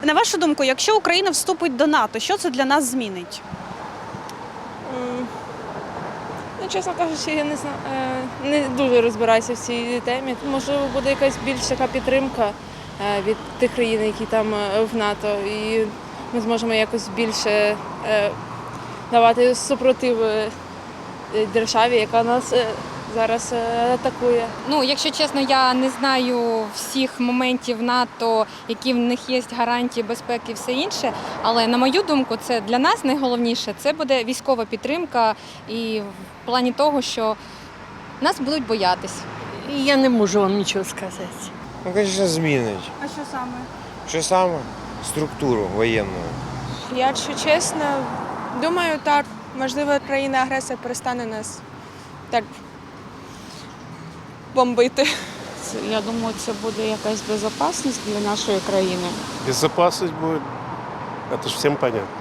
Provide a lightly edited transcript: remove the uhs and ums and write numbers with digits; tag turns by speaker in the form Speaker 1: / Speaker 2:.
Speaker 1: На вашу думку, якщо Україна вступить до НАТО, що це для нас змінить?
Speaker 2: Ну, чесно кажучи, я не знаю, не дуже розбираюся в цій темі. Можливо, буде якась більш така підтримка від тих країн, які там в НАТО, і ми зможемо якось більше давати супротив державі, яка нас зараз атакує.
Speaker 3: Ну, якщо чесно, я не знаю всіх моментів НАТО, які в них є гарантії безпеки і все інше. Але на мою думку, це для нас найголовніше це буде військова підтримка і в плані того, що нас будуть боятись.
Speaker 4: Я не можу вам нічого сказати.
Speaker 5: Ну, звісно, змінить.
Speaker 1: А що саме?
Speaker 5: Що саме? Структуру воєнну.
Speaker 6: Якщо чесно, думаю, так. Можливо, країна-агресор перестане нас так бомбити.
Speaker 7: Я думаю, це буде якась безпечність для нашої країни.
Speaker 8: Безопасность будет, это же всем понятно.